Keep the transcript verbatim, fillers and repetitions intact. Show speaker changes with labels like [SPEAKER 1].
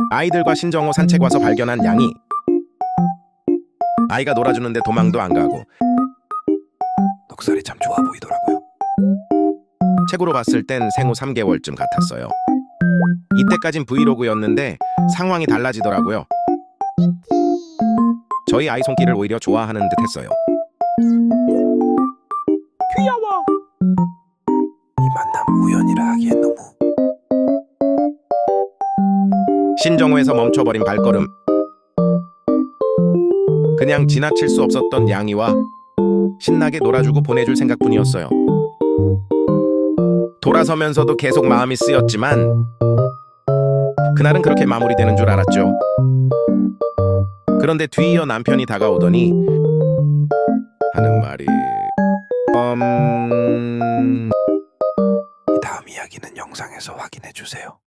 [SPEAKER 1] 아이들과 신정호 산책 와서 발견한 양이 아이가 놀아주는데 도망도 안 가고
[SPEAKER 2] 넉살이 참 좋아 보이더라고요.
[SPEAKER 1] 책으로 봤을 땐 생후 삼 개월쯤 같았어요. 이때까진 브이로그였는데 상황이 달라지더라고요. 저희 아이 손길을 오히려 좋아하는 듯 했어요.
[SPEAKER 3] 귀여워.
[SPEAKER 2] 이 만남 우연이라 하기엔 너무.
[SPEAKER 1] 신정호에서 멈춰버린 발걸음. 그냥 지나칠 수 없었던 양이와 신나게 놀아주고 보내줄 생각뿐이었어요. 돌아서면서도 계속 마음이 쓰였지만 그날은 그렇게 마무리되는 줄 알았죠. 그런데 뒤이어 남편이 다가오더니 하는 말이 음...
[SPEAKER 2] 이 다음 이야기는 영상에서 확인해 주세요.